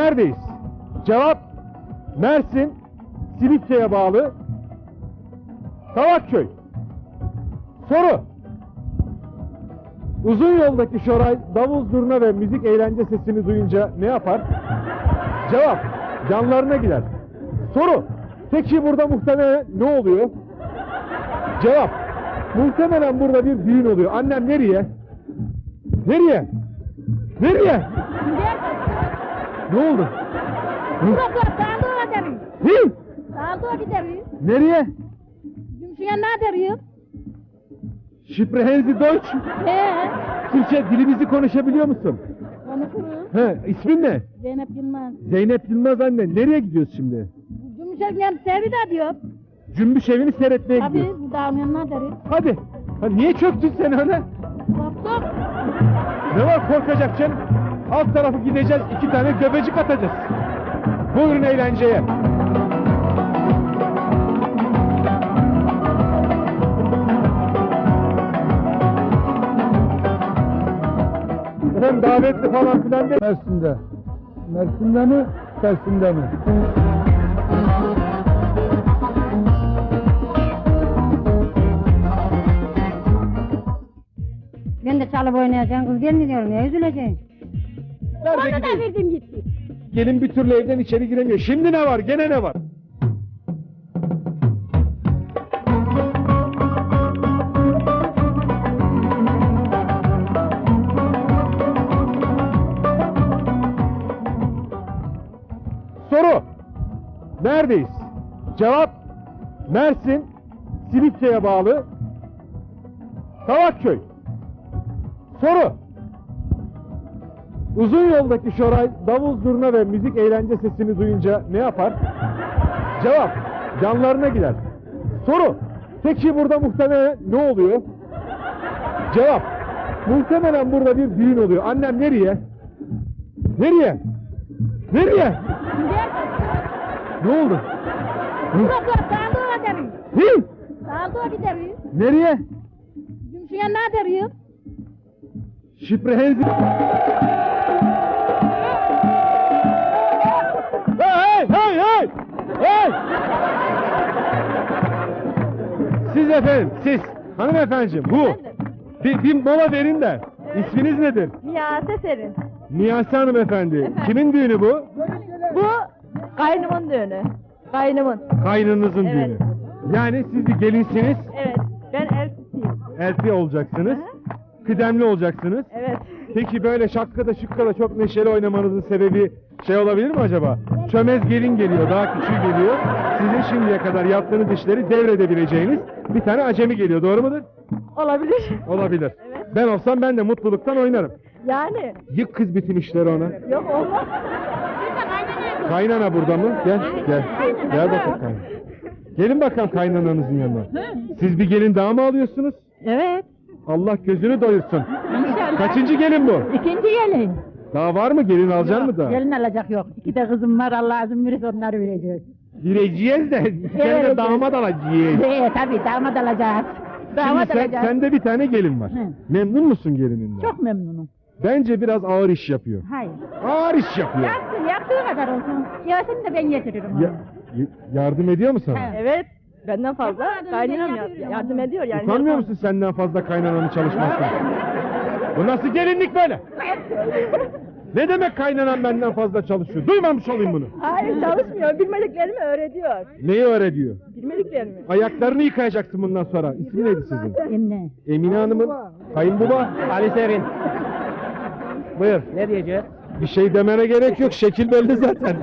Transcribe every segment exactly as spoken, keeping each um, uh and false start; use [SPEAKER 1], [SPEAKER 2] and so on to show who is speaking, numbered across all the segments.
[SPEAKER 1] Neredeyiz? Cevap Mersin, Silifke'ye bağlı Kavakköy. Soru: uzun yoldaki Şoray davul zurna ve müzik eğlence sesini duyunca ne yapar? Cevap: yanlarına gider. Soru: peki burada muhtemelen ne oluyor? Cevap: muhtemelen burada bir düğün oluyor. Annem nereye? Nereye? Nereye? Ne oldu?
[SPEAKER 2] Burası sağlığa deriz.
[SPEAKER 1] Hı?
[SPEAKER 2] Sağlığa gideriz.
[SPEAKER 1] Nereye?
[SPEAKER 2] Cümşeye ne deriz?
[SPEAKER 1] Sprechen Sie Deutsch?
[SPEAKER 2] He.
[SPEAKER 1] Türkçe dilimizi konuşabiliyor musun?
[SPEAKER 2] Konuşuruz.
[SPEAKER 1] He, ismin ne?
[SPEAKER 2] Zeynep Yılmaz.
[SPEAKER 1] Zeynep Yılmaz anne. Nereye gidiyoruz şimdi?
[SPEAKER 2] Cümşe'nin servi de diyor.
[SPEAKER 1] Cümbüş evini seyretmeye
[SPEAKER 2] Tabii
[SPEAKER 1] gidiyoruz.
[SPEAKER 2] bu dağın yanına deriz.
[SPEAKER 1] Hadi. Ha, niye çöktün sen öyle?
[SPEAKER 2] Korktuk.
[SPEAKER 1] Ne var korkacak canım? Alt tarafı gideceğiz, iki tane göbecik atacağız. Buyurun eğlenceye. Efendim davetli falan filan değil.
[SPEAKER 3] Mersin'de. Mersin'de mi? Mersin'de mi?
[SPEAKER 2] Ben de çalıp oynayacağım. Kız gelmiyor. Ne üzüleceksin?
[SPEAKER 1] Nerede
[SPEAKER 2] Onu da
[SPEAKER 1] gidiyoruz?
[SPEAKER 2] verdim gitti.
[SPEAKER 1] Gelin bir türlü evden içeri giremiyor. Şimdi ne var? Gene ne var? Soru: neredeyiz? Cevap Mersin, Silifke'ye bağlı Kavakköy. Soru: uzun yoldaki Şoray davul zurna ve müzik eğlence sesini duyunca ne yapar? Cevap: yanlarına gider. Soru: peki burada muhtemelen ne oluyor? Cevap: muhtemelen burada bir düğün oluyor. Annem nereye? Nereye? Nereye? Ne oldu?
[SPEAKER 2] Burası sağlığa deriz.
[SPEAKER 1] Hı?
[SPEAKER 2] Sağlığa gideriz.
[SPEAKER 1] Nereye?
[SPEAKER 2] Cümşeye ne deriz?
[SPEAKER 1] Sprechen Sie... Hey hey hey! Hey! Siz efendim, siz hanımefendiciğim bu. Bir, bir mola verin de. İsminiz nedir?
[SPEAKER 4] Miyase Serin.
[SPEAKER 1] Miyase hanımefendi. Kimin düğünü bu?
[SPEAKER 4] Bu kaynımın düğünü. Kaynımın.
[SPEAKER 1] Kaynınızın
[SPEAKER 4] Evet.
[SPEAKER 1] düğünü. Yani siz bir gelinsiniz,
[SPEAKER 4] Evet. Ben eltisiyim.
[SPEAKER 1] elti olacaksınız, kıdemli olacaksınız.
[SPEAKER 4] Evet.
[SPEAKER 1] Peki böyle şakkada şukkada çok neşeli oynamanızın sebebi şey olabilir mi acaba? Çömez gelin geliyor, daha küçüğü geliyor. Sizin şimdiye kadar yaptığınız işleri devredebileceğiniz bir tane acemi geliyor, doğru mudur?
[SPEAKER 4] Olabilir.
[SPEAKER 1] Olabilir.
[SPEAKER 4] Evet.
[SPEAKER 1] Ben olsam ben de mutluluktan oynarım.
[SPEAKER 4] Yani.
[SPEAKER 1] Yık kız bütün işleri ona.
[SPEAKER 4] Yok olmaz.
[SPEAKER 1] Kaynana burada mı? Gel, gel. Gel bakalım kaynana. Gelin bakalım kaynananızın yanına. Siz bir gelin daha mı alıyorsunuz?
[SPEAKER 4] Evet.
[SPEAKER 1] Allah gözünü doyursun.
[SPEAKER 4] İnşallah.
[SPEAKER 1] Kaçıncı gelin bu?
[SPEAKER 4] İkinci gelin.
[SPEAKER 1] Daha var mı? Gelin alacaksın mı daha?
[SPEAKER 4] Gelin alacak yok. İki de kızım var. Allah izin verirse onları vereceğiz.
[SPEAKER 1] Gireceğiz de, sen de
[SPEAKER 4] Evet.
[SPEAKER 1] damat alacağız.
[SPEAKER 4] Evet tabii damat alacağız.
[SPEAKER 1] Şimdi
[SPEAKER 4] Damat
[SPEAKER 1] sen,
[SPEAKER 4] alacağız.
[SPEAKER 1] sende bir tane gelin var.
[SPEAKER 4] Hı.
[SPEAKER 1] Memnun musun gelininden?
[SPEAKER 4] Çok memnunum.
[SPEAKER 1] Bence biraz ağır iş yapıyor.
[SPEAKER 4] Hayır.
[SPEAKER 1] Ağır iş yapıyor.
[SPEAKER 4] Yapsın, yaptığı kadar olsun. Yasını da ben getiririm ona.
[SPEAKER 1] Ya, y- yardım ediyor mu sana?
[SPEAKER 4] He.
[SPEAKER 5] Evet, benden fazla
[SPEAKER 4] Yapardım,
[SPEAKER 5] kaynanam
[SPEAKER 4] ben
[SPEAKER 5] ya-
[SPEAKER 4] yapıyorum
[SPEAKER 5] yardım
[SPEAKER 4] onu.
[SPEAKER 5] ediyor yani.
[SPEAKER 1] Utanmıyor
[SPEAKER 5] yapar.
[SPEAKER 1] musun senden fazla kaynananın çalışmasına? Bu nasıl gelinlik böyle? Ne demek kaynanan benden fazla çalışıyor? Duymamış olayım bunu.
[SPEAKER 5] Hayır çalışmıyor, bilmediklerimi öğretiyor.
[SPEAKER 1] Neyi öğretiyor?
[SPEAKER 5] Bilmediklerimi.
[SPEAKER 1] Ayaklarını yıkayacaksın bundan sonra. İsmi neydi sizin?
[SPEAKER 4] Emine.
[SPEAKER 1] Emine Hanım'ın kayınbaba.
[SPEAKER 6] Ali Serin.
[SPEAKER 1] Buyur.
[SPEAKER 6] Ne diyeceğiz?
[SPEAKER 1] Bir şey demene gerek yok. Şekil belli zaten.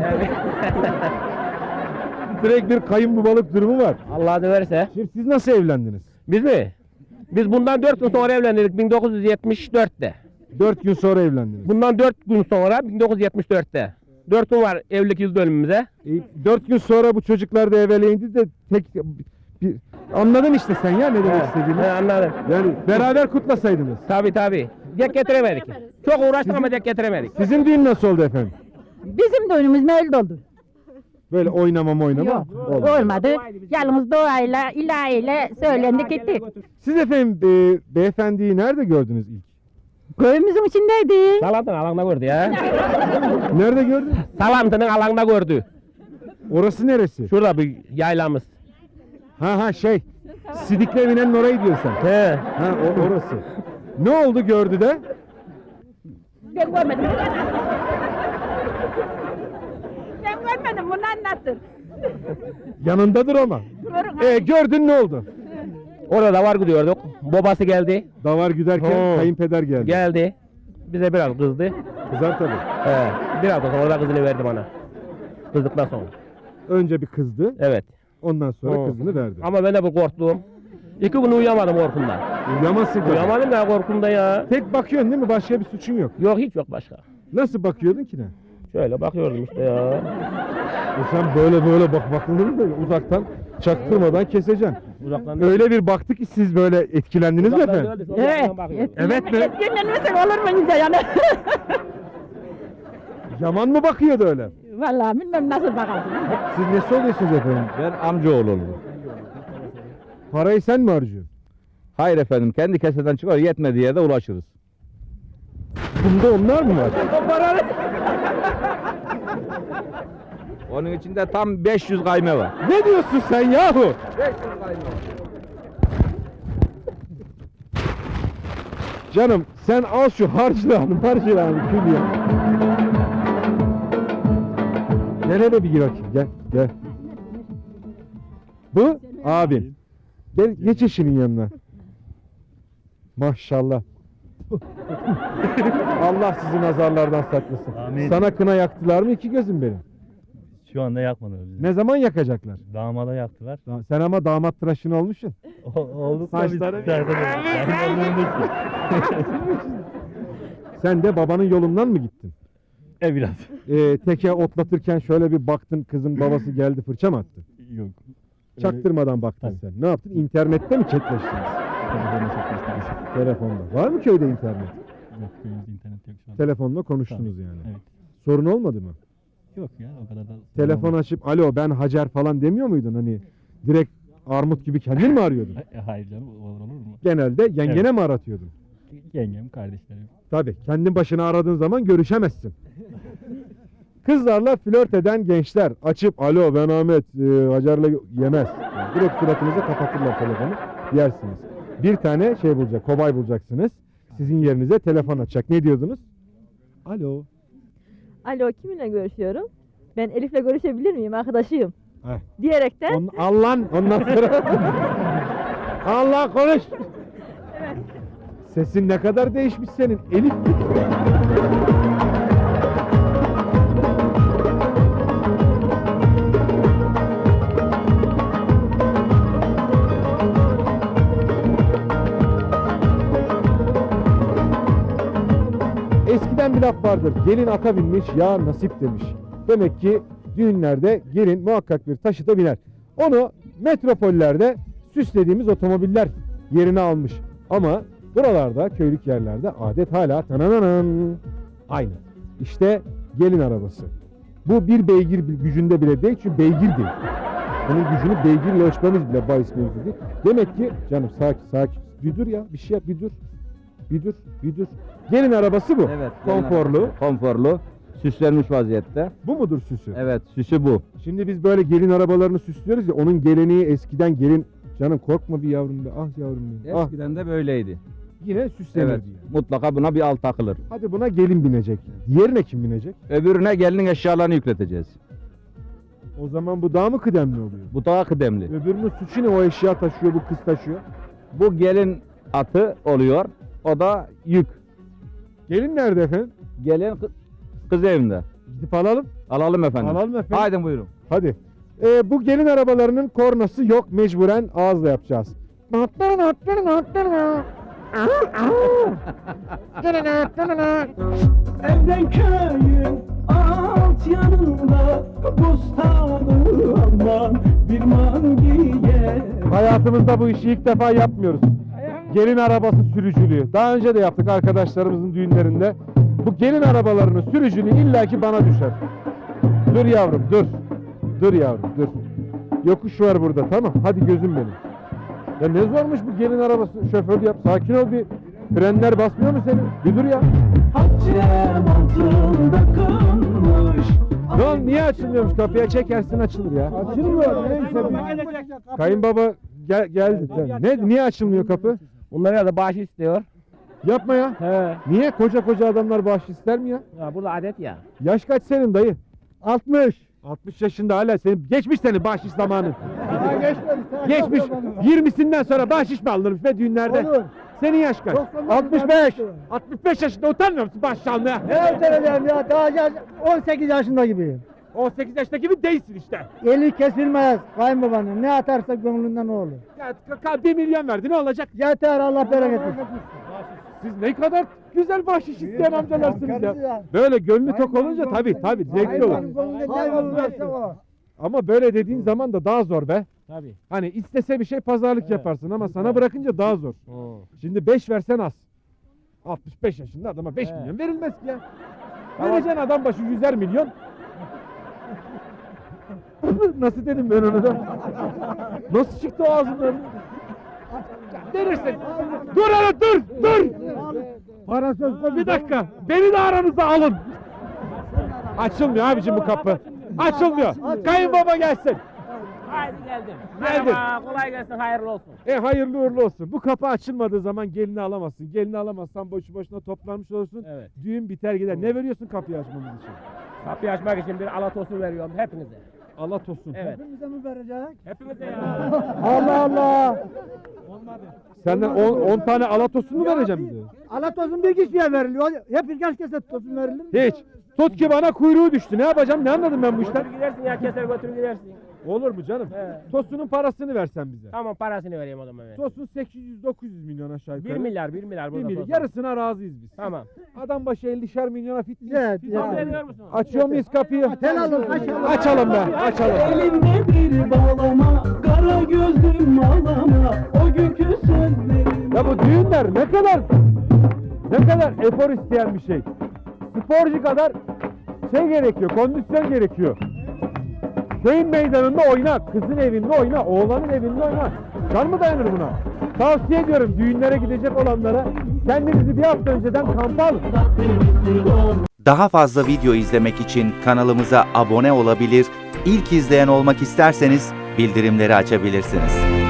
[SPEAKER 1] Direkt bir kayınbabalık durumu var.
[SPEAKER 6] Allah döverse.
[SPEAKER 1] Şimdi siz nasıl evlendiniz?
[SPEAKER 6] Biz mi? Biz bundan dört gün sonra evlendik bin dokuz yüz yetmiş dörtte.
[SPEAKER 1] Dört gün sonra evlendiniz.
[SPEAKER 6] Bundan dört gün sonra bin dokuz yüz yetmiş dörtte. Dört gün var evlilik yıl dönümümüze.
[SPEAKER 1] E, dört gün sonra bu çocuklar da evveleyindi de tek bir, anladın işte sen ya ne demek istediğimi.
[SPEAKER 6] He, anladım.
[SPEAKER 1] Yani beraber kutlasaydınız.
[SPEAKER 6] Tabi tabi. Dek getiremedik. Çok uğraştık ama dek getiremedik.
[SPEAKER 1] Sizin düğün nasıl oldu efendim?
[SPEAKER 4] Bizim düğünümüz mevlid oldu.
[SPEAKER 1] Böyle oynama oynama
[SPEAKER 4] Yok,
[SPEAKER 1] oldu.
[SPEAKER 4] olmadı. Yalnız doğayla, ilahiyle söylendik gittik.
[SPEAKER 1] Siz efendim e, beyefendiyi nerede gördünüz ilk?
[SPEAKER 4] Köyümüzün içindeydi.
[SPEAKER 6] Salantının alanda gördü ya.
[SPEAKER 1] Nerede gördün?
[SPEAKER 6] Salantının alanda gördü.
[SPEAKER 1] Orası neresi?
[SPEAKER 6] Şurada bir yaylamız.
[SPEAKER 1] Ha ha şey. Sidikli evinin orayı diyorsun sen.
[SPEAKER 6] He.
[SPEAKER 1] Ha o orası. Ne oldu gördü de?
[SPEAKER 4] Ben görmedim. Ben görmedim, bunu anlattın.
[SPEAKER 1] Yanındadır ama.
[SPEAKER 4] Görün.
[SPEAKER 1] E gördün ne oldu?
[SPEAKER 6] Orada da var gidiyorduk. Babası geldi.
[SPEAKER 1] Davar güderken
[SPEAKER 6] Ho.
[SPEAKER 1] kayınpeder geldi.
[SPEAKER 6] Geldi. Bize biraz kızdı.
[SPEAKER 1] Kızar tabii.
[SPEAKER 6] He. Biraz da sonra da kızını verdi bana. Kızdıktan sonra.
[SPEAKER 1] Önce bir kızdı.
[SPEAKER 6] Evet.
[SPEAKER 1] Ondan sonra
[SPEAKER 6] Ho.
[SPEAKER 1] kızını verdi.
[SPEAKER 6] Ama ben de bir korktum. İki gün uyuyamadım korkumdan.
[SPEAKER 1] Uyuyamazsın tabii.
[SPEAKER 6] Uyuyamadım ya korkumda ya.
[SPEAKER 1] Tek bakıyorsun değil mi? Başka bir suçun yok.
[SPEAKER 6] Yok hiç yok başka.
[SPEAKER 1] Nasıl bakıyordun ki ne?
[SPEAKER 6] Şöyle bakıyordum işte ya.
[SPEAKER 1] E sen böyle böyle bak bakılır mı böyle uzaktan çaktırmadan keseceksin.
[SPEAKER 6] Uzaktan
[SPEAKER 1] Öyle bir baktı ki siz böyle etkilendiniz mi
[SPEAKER 6] Uzaktan
[SPEAKER 1] efendim?
[SPEAKER 6] geldi, sonra
[SPEAKER 4] Evet.
[SPEAKER 6] uzaktan bakıyordum.
[SPEAKER 1] Evet mi?
[SPEAKER 4] Etkilenmesek olur mu ince yani?
[SPEAKER 1] Yaman mı bakıyordu öyle?
[SPEAKER 4] Vallahi bilmem nasıl bakalım.
[SPEAKER 1] Siz nesi oluyorsunuz efendim?
[SPEAKER 7] Ben amcaoğlu olurum.
[SPEAKER 1] Parayı sen mi harcıyorsun?
[SPEAKER 7] Hayır efendim, kendi keseden çıkar, yetmediği yerde ulaşırız.
[SPEAKER 1] Bunda onlar mı var?
[SPEAKER 7] Onun içinde tam beş yüz kayme var.
[SPEAKER 1] Ne diyorsun sen yahu? Canım sen al şu harcırağını harcırağını kül ya. Gel hele bir gir bakayım gel gel. Bu abin. Gel geç eşinin yanına. Maşallah. Allah sizi nazarlardan saklasın.
[SPEAKER 8] Amin.
[SPEAKER 1] Sana kına yaktılar mı iki gözüm benim?
[SPEAKER 8] Şu anda yakmadılar bizi.
[SPEAKER 1] Ne zaman yakacaklar?
[SPEAKER 8] Damada yaktılar.
[SPEAKER 1] Da- Sen ama damat tıraşın olmuşsun.
[SPEAKER 8] O, olduk da biz
[SPEAKER 1] Saçları-
[SPEAKER 8] derde de-
[SPEAKER 1] Sen de babanın yolundan mı gittin?
[SPEAKER 8] E biraz.
[SPEAKER 1] Ee, teke otlatırken şöyle bir baktın kızın babası geldi fırça mı attı?
[SPEAKER 8] Yok.
[SPEAKER 1] Çaktırmadan baktın
[SPEAKER 8] Tabii.
[SPEAKER 1] sen. Ne yaptın? İnternette mi chatleştiniz?
[SPEAKER 8] Telefonla çekmiştiniz.
[SPEAKER 1] Telefonda. Var mı köyde internet?
[SPEAKER 8] Yok köyümüzde internet yok şu an.
[SPEAKER 1] Telefonla konuştunuz
[SPEAKER 8] Tabii,
[SPEAKER 1] yani.
[SPEAKER 8] Evet.
[SPEAKER 1] Sorun olmadı mı?
[SPEAKER 8] Yok ya o kadar da.
[SPEAKER 1] Telefon açıp alo ben Hacer falan demiyor muydun? Hani direkt armut gibi kendin mi arıyordun?
[SPEAKER 8] E, hayır canım olur, olur mu?
[SPEAKER 1] Genelde yengene
[SPEAKER 8] Evet.
[SPEAKER 1] mi aratıyordun?
[SPEAKER 8] Yengem, kardeşlerim.
[SPEAKER 1] Tabii. Kendin başına aradığın zaman görüşemezsin. Kızlarla flört eden gençler açıp alo ben Ahmet e, Hacer'le yemez. Yani direkt suratınıza kapatırlar telefonu yersiniz. Bir tane şey bulacak, kobay bulacaksınız. Sizin yerinize telefon açacak. Ne diyordunuz? Alo.
[SPEAKER 5] Alo kiminle görüşüyorum? Ben Elif'le görüşebilir miyim? Arkadaşıyım.
[SPEAKER 1] Heh.
[SPEAKER 5] Diyerekten
[SPEAKER 1] On, Allah'ın ondan sonra Allah konuş. Sesin ne kadar değişmiş senin Elif. Eskiden bir laf vardır. Gelin ata binmiş, ya nasip demiş. Demek ki düğünlerde gelin muhakkak bir taşıta biner. Onu metropollerde süslediğimiz otomobiller yerini almış. Ama buralarda, köylük yerlerde adet hala tanananan aynı. İşte gelin arabası. Bu bir beygir gücünde bile değil, çünkü beygir değil. Onun gücünü beygirle ölçmemiz bile bahis mevzu değil. Demek ki, canım sakin sakin, bir dur ya, bir şey yap, bir dur. Bir dur, bir dur. Gelin arabası bu.
[SPEAKER 7] Evet. gelin
[SPEAKER 1] Konforlu.
[SPEAKER 7] arabası. Konforlu. Süslenmiş vaziyette.
[SPEAKER 1] Bu mudur süsü?
[SPEAKER 7] Evet, süsü bu.
[SPEAKER 1] Şimdi biz böyle gelin arabalarını süslüyoruz ya, onun geleneği eskiden gelin... Canım korkma bir yavrum be, ah yavrum benim. Ah,
[SPEAKER 7] Eskiden de böyleydi.
[SPEAKER 1] yine süslenirdi
[SPEAKER 7] Evet.
[SPEAKER 1] yani.
[SPEAKER 7] Mutlaka buna bir alt takılır.
[SPEAKER 1] Hadi buna gelin binecek. Diğerine kim binecek?
[SPEAKER 7] Öbürüne gelinin eşyalarını yükleteceğiz.
[SPEAKER 1] O zaman bu daha mı kıdemli oluyor?
[SPEAKER 7] Bu daha kıdemli.
[SPEAKER 1] Öbürünün suçu ne? O eşya taşıyor, bu kız taşıyor.
[SPEAKER 7] Bu gelin atı oluyor. O da yük.
[SPEAKER 1] Gelin nerede efendim?
[SPEAKER 7] Gelin kı- kız evinde.
[SPEAKER 1] Gidip alalım.
[SPEAKER 7] Alalım efendim.
[SPEAKER 1] Alalım efendim.
[SPEAKER 7] Haydi buyurun.
[SPEAKER 1] Hadi. Ee, bu gelin arabalarının kornası yok. Mecburen ağızla yapacağız.
[SPEAKER 9] Evden köyün alt yanında bostanı aman bir mangiye.
[SPEAKER 1] Hayatımızda bu işi ilk defa yapmıyoruz. Gelin arabası sürücülüğü. Daha önce de yaptık arkadaşlarımızın düğünlerinde. Bu gelin arabalarının sürücülüğü illaki bana düşer. Dur yavrum dur. Dur yavrum dur. Yokuş var burada, tamam. Hadi gözüm benim. Ya ne zormuş bu gelin arabası şoförü yap. Sakin ol bir. Frenler basmıyor mu senin? Bir dur ya.
[SPEAKER 9] Haccem altında kalmış.
[SPEAKER 1] Lan niye açılmıyormuş kapıya çekersin açılır ya.
[SPEAKER 3] Açılmıyor. Neyse.
[SPEAKER 1] Kayınbaba gel, geldi. Ne, niye açılmıyor kapı?
[SPEAKER 6] Bunlara da bağış istiyor.
[SPEAKER 1] Yapma ya.
[SPEAKER 6] He.
[SPEAKER 1] Niye koca koca adamlar bağış ister mi ya?
[SPEAKER 6] Ya burada adet ya.
[SPEAKER 1] Yaş kaç senin dayı?
[SPEAKER 3] altmış.
[SPEAKER 1] altmış yaşında hala senin geçmiş senin bahşiş zamanın.
[SPEAKER 3] Daha geçmedi. Daha
[SPEAKER 1] Geçmiş.
[SPEAKER 3] yok babanın.
[SPEAKER 1] yirmisinden sonra bahşiş mi alınırmış be düğünlerde?
[SPEAKER 3] Olur.
[SPEAKER 1] Senin yaş kaç?
[SPEAKER 3] doksan
[SPEAKER 1] altmış beş. altmış beş yaşında utanmıyor musun bahşiş almaya?
[SPEAKER 3] Ne öteleyeceğim ya? Daha yaş- on sekiz yaşında gibiyim.
[SPEAKER 1] on sekiz yaşındaki gibi değilsin işte.
[SPEAKER 3] Eli kesilmez kayınbabanın. Ne atarsa gönlünden o olur.
[SPEAKER 1] Ya, ka- ka- bir milyon verdi ne olacak?
[SPEAKER 3] Yeter Allah bereket versin.
[SPEAKER 1] Siz ne kadar güzel bahşiş isteyen amcalarsınız
[SPEAKER 3] Karısı
[SPEAKER 1] ya.
[SPEAKER 3] ya.
[SPEAKER 1] Böyle gönlü tok olunca tabii tabii zevkli olur.
[SPEAKER 3] Hayvan verse o.
[SPEAKER 1] Ama böyle dediğin zaman da daha zor be.
[SPEAKER 6] Tabii.
[SPEAKER 1] Hani istese bir şey pazarlık yaparsın ama sana bırakınca daha zor. Şimdi beş versen az. altmış beş yaşında adama beş
[SPEAKER 6] He.
[SPEAKER 1] milyon verilmez ki ya. Vereceksin adam başı yüzer milyon. Nasıl dedim ben onu da? Nasıl çıktı o ağzından? Verirsin. Dur hele dur dur.
[SPEAKER 3] Para söz konusu.
[SPEAKER 1] Bir dakika. Beni de aranıza alın. Açılmıyor abicim bu kapı. Açılmıyor. Kayınbaba gelsin.
[SPEAKER 6] Haydi geldim.
[SPEAKER 1] Geldim.
[SPEAKER 6] Merhaba, kolay gelsin, hayırlı olsun.
[SPEAKER 1] E hayırlı uğurlu olsun. Bu kapı açılmadığı zaman gelini alamazsın. Gelini alamazsan boşu boşuna toplanmış olursun.
[SPEAKER 6] Evet.
[SPEAKER 1] Düğün biter gider. Ne veriyorsun kapıyı açmamız için?
[SPEAKER 6] Kapıyı açmak için bir alatosu veriyorum hepinize.
[SPEAKER 1] Allah tosun.
[SPEAKER 6] Evet.
[SPEAKER 3] Hepimize mi verecek?
[SPEAKER 6] Hepinize ya.
[SPEAKER 3] Allah Allah.
[SPEAKER 1] Senden on tane alatosun mu vereceğim bize?
[SPEAKER 3] Alatozun bir kişiye veriliyor. Hep kaç kese tosun verilir mi?
[SPEAKER 1] Hiç. Tut ki bana kuyruğu düştü. Ne yapacağım? Ne anladım ben bu işten?
[SPEAKER 6] Götür gidersin ya, keser götür gidersin.
[SPEAKER 1] Olur mu canım?
[SPEAKER 6] He.
[SPEAKER 1] Tosunun parasını versen bize.
[SPEAKER 6] Tamam, parasını vereyim o zaman. Evet.
[SPEAKER 1] Tosun sekiz yüz dokuz yüz milyon aşağı yukarı.
[SPEAKER 6] Bir milyar, bir milyar
[SPEAKER 1] Bir
[SPEAKER 6] burada.
[SPEAKER 1] milyar.
[SPEAKER 6] tosun.
[SPEAKER 1] Yarısına razıyız biz.
[SPEAKER 6] Tamam.
[SPEAKER 1] Adam başı ellişer milyona fit miyiz?
[SPEAKER 3] Evet,
[SPEAKER 1] Fit
[SPEAKER 3] ya.
[SPEAKER 6] Kabul
[SPEAKER 1] miyiz?
[SPEAKER 6] ediyor musun?
[SPEAKER 1] Açıyor muyuz kapıyı?
[SPEAKER 3] Helal olsun, açalım.
[SPEAKER 1] Açalım be, açalım.
[SPEAKER 9] Elinde bir bağlama, kara gözlüm ağlama. O günkü sözlerim.
[SPEAKER 1] Ya bu düğünler ne kadar ne kadar efor isteyen bir şey. Sporcu kadar şey gerekiyor, kondisyon gerekiyor. Köyün meydanında oyna, kızın evinde oyna, oğlanın evinde oyna. Can mı dayanır buna? Tavsiye ediyorum düğünlere gidecek olanlara kendinizi bir hafta önceden kampa alın.
[SPEAKER 10] Daha fazla video izlemek için kanalımıza abone olabilir, ilk izleyen olmak isterseniz bildirimleri açabilirsiniz.